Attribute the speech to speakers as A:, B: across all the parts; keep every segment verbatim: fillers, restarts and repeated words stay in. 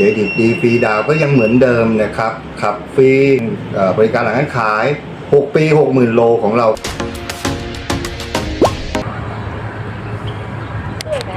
A: เครดิตดีฟรีดาวก็ยังเหมือนเดิมนะครับขับฟรีบริการหลังการขายหกปี หกหมื่น โลของเรา
B: สวยไหม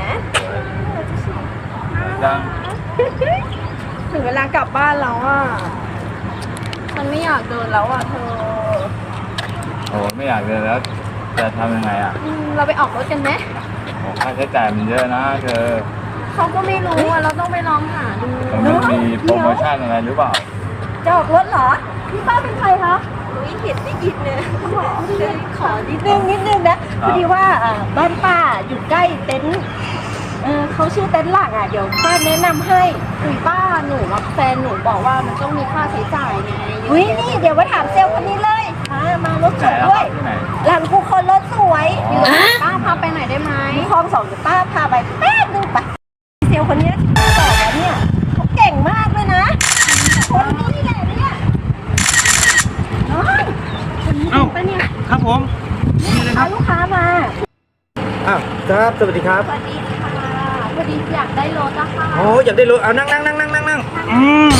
C: จัง
B: ถึงเวลากลับบ้านแล้วอ่ะมันไม่อยากเดินแล้วอ่ะเธอ
C: โอ้ไม่อยากเลยแล้วจะทำยังไงอ่ะ
B: อืมเราไปออกรถกันไหม
C: โอ้ค่าใช้จ่ายมันเยอะนะเธอ
B: เขาก็ไม่รู้อ่ะเราต้องไปลองหาดู
C: มันมีโปรโมชั่นอะไรหรือเปล่า
B: จะออกรถเหรอพี่ป้าเป็นใครคะอุ้ยเห็นได้ยินเลยขอนิดนึงนิดนึงนะพอดีว่าบ้านป้าอยู่ใกล้เต็นท์เออเขาชื่อเต็นท์หลักอ่ะเดี๋ยวป้าแนะนำให้คุณป้าหนูว่าแฟนหนูบอกว่ามันต้องมีค่าใช้จ่ายไงอุ้ยนี่เดี๋ยวมาถามเซลล์คนนี้เลยมามารถสวยด้วย
C: ที่ไหน
B: หลังกูคนรถสวยป้าพาไปไหนได้ไหมคลองสองเดี๋ยวป้าพาไปแป๊บนึงไปเซลล์คนนี้ที่ป้าบอกแล้วเนี่ยเขาเก่งมากเลยนะคนนี้แหละเนี่ยน้องคนนี้เป็นปะเนี่ย
D: ครับผมนี่เลยค
B: พา
D: รับ
B: ลูกค้ามา
D: อ้าวครับสวัสดีครับ
B: สวัสดีค่ะพอดีอยากได้รถอะค่ะ
D: โอ้อยากได้รถเอานั่งนั่งนั่งนั่งนั่งนั่งอืม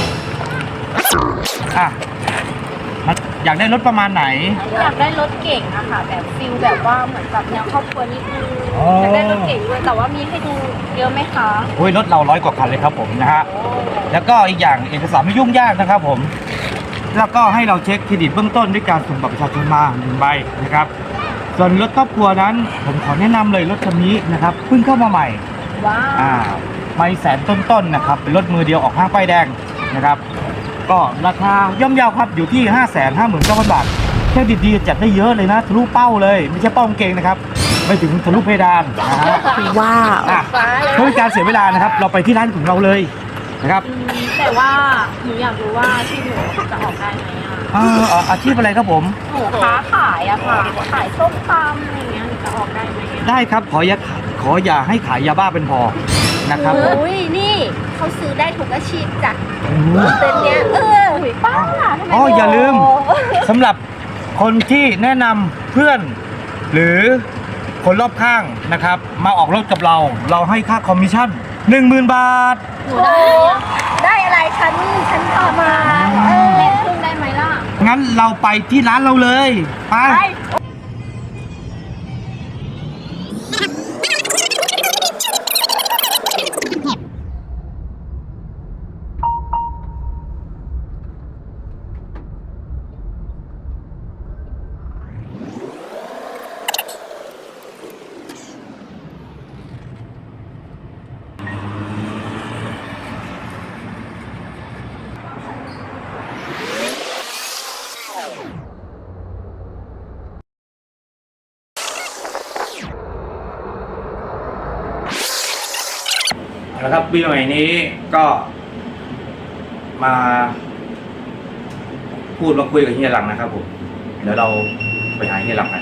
D: อ่ะมันอยากได้รถประมาณไหน
B: อยากได้รถเก่งอะค่ะแบบฟิลแบบว่าเหมือนแบบแนวครอบครัวนิดนึง
D: อ๋อ
B: อ
D: อ
B: ยากได้รถเก่งด้วยแต่ว่ามีให้ดูเยอะไหมคะ
D: โอ้ยรถเราร้อยกว่าคันเลยครับผมนะฮะแล้วก็อีกอย่างเอกสารไม่ยุ่งยากนะครับผมแล้วก็ให้เราเช็คเครดิตเบื้องต้นด้วยการส่งบัตรประชาชนมาหนึ่งใบนะครับส่วนรถครอบครัวนั้นผมขอแนะนำเลยรถคันนี้นะครับเพิ่งเข้ามาใหม่
B: ว้า
D: อ่าว ไม่แสนต้นๆนะครับเป็นรถมือเดียวออกห้างป้ายแดงนะครับก็ราคาย่อมเยาวครับอยู่ที่ ห้าแสนห้าหมื่นเก้าพัน บาทแค่ดีๆจัดได้เยอะเลยนะทะลุเป้าเลยไม่ใช่เป้ากางเกงนะครับไปถึงทะลุเพดานนะฮะ
B: ว้าว
D: อ่ะเพื่อเป็นการเสียเวลานะครับเราไปที่ร้านของเราเลยนะครับ
B: แต่ว่าหนูอยากรู้ว่าที่หนูจะออกได้ไหมอะ
D: อ่าอ่าอาชีพอะไรครับผม
B: หนูค้าขายอะค่ะขายส้มตำอะไรอย่างเงี้ยหนูจะออกได้ไหมอะ
D: ได้ครับขออย่าขออย่าให้ขายยาบ้าเป็นพอนะครับผม
B: อุ้ยนี่เขาซื้อได้ทุกอาชีพจ้ะ
D: อืม
B: เต็นท์เนี้ยเออหุยป้าทำไม
D: อ๋ออย่าลืม สำหรับคนที่แนะนำเพื่อน หรือคนรอบข้างนะครับ มาออกรถกับเรา เราให้ค่าคอมมิชชั่น หนึ่งหมื่น บาท
B: หนูได้ได้อะไรคะนี่ฉันพามาเออเล่นขึ้นได้ไหมล่ะ
D: งั้นเราไปที่ร้านเราเลย ไป
B: ไป
D: นะครับปีใหม่นี้ก็มาพูดมาคุยกับเฮียหลังนะครับผม เดี๋ยวเราไปหาเฮียหลังกัน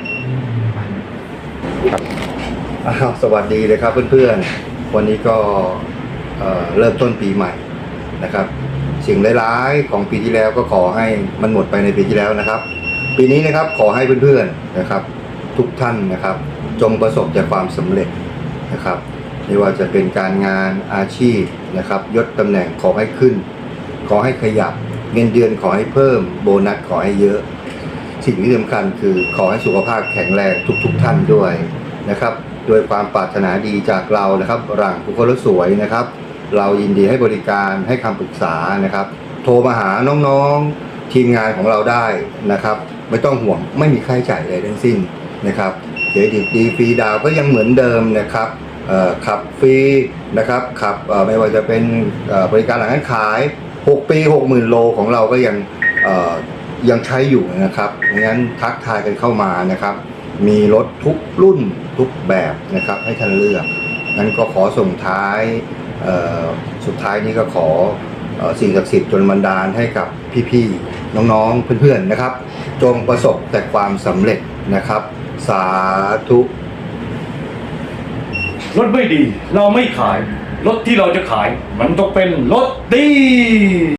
A: อ้าวสวัสดีเลยครับเพื่อนๆวันนี้ก็เอ่อเริ่มต้นปีใหม่นะครับสิ่งร้ายๆของปีที่แล้วก็ขอให้มันหมดไปในปีที่แล้วนะครับ ปีนี้นะครับขอให้เพื่อนๆนะครับ ทุกท่านนะครับจงประสบแต่ความสำเร็จนะครับไม่ว่าจะเป็นการงานอาชีพนะครับยศตำแหน่งขอให้ขึ้น ขอให้ขยับเงินเดือนขอให้เพิ่มโบนัสขอให้เยอะ สิ่งที่สำคัญคือขอให้สุขภาพแข็งแรงทุกๆท่านด้วยนะครับด้วยความปรารถนาดีจากเรานะครับหลังผู้คนสวยนะครับ เรายินดีให้บริการให้คำปรึกษานะครับ โทรมาหาน้องๆทีมงานของเราได้นะครับไม่ต้องห่วงไม่มีค่าใช้จ่ายอะไรทั้งสิ้นนะครับเครดิตดีฟรีดาวก็ยังเหมือนเดิมนะครับขับฟรีนะครับขับไม่ว่าจะเป็นบริการหลังการขายหกปี หกหมื่น โลของเราก็ยังยังใช้อยู่นะครับงั้นทักทายกันเข้ามานะครับมีรถทุกรุ่นทุกแบบนะครับให้ท่านเลือกงั้นก็ขอส่งท้ายสุดท้ายนี้ก็ขอสิ่งศักดิ์สิทธิ์จนบันดาลให้กับพี่ๆน้องๆเพื่อนๆนะครับจงประสบแต่ความสำเร็จนะครับสาธุ
E: รถไม่ดีเราไม่ขาย รถที่เราจะขาย มันต้องเป็นรถดี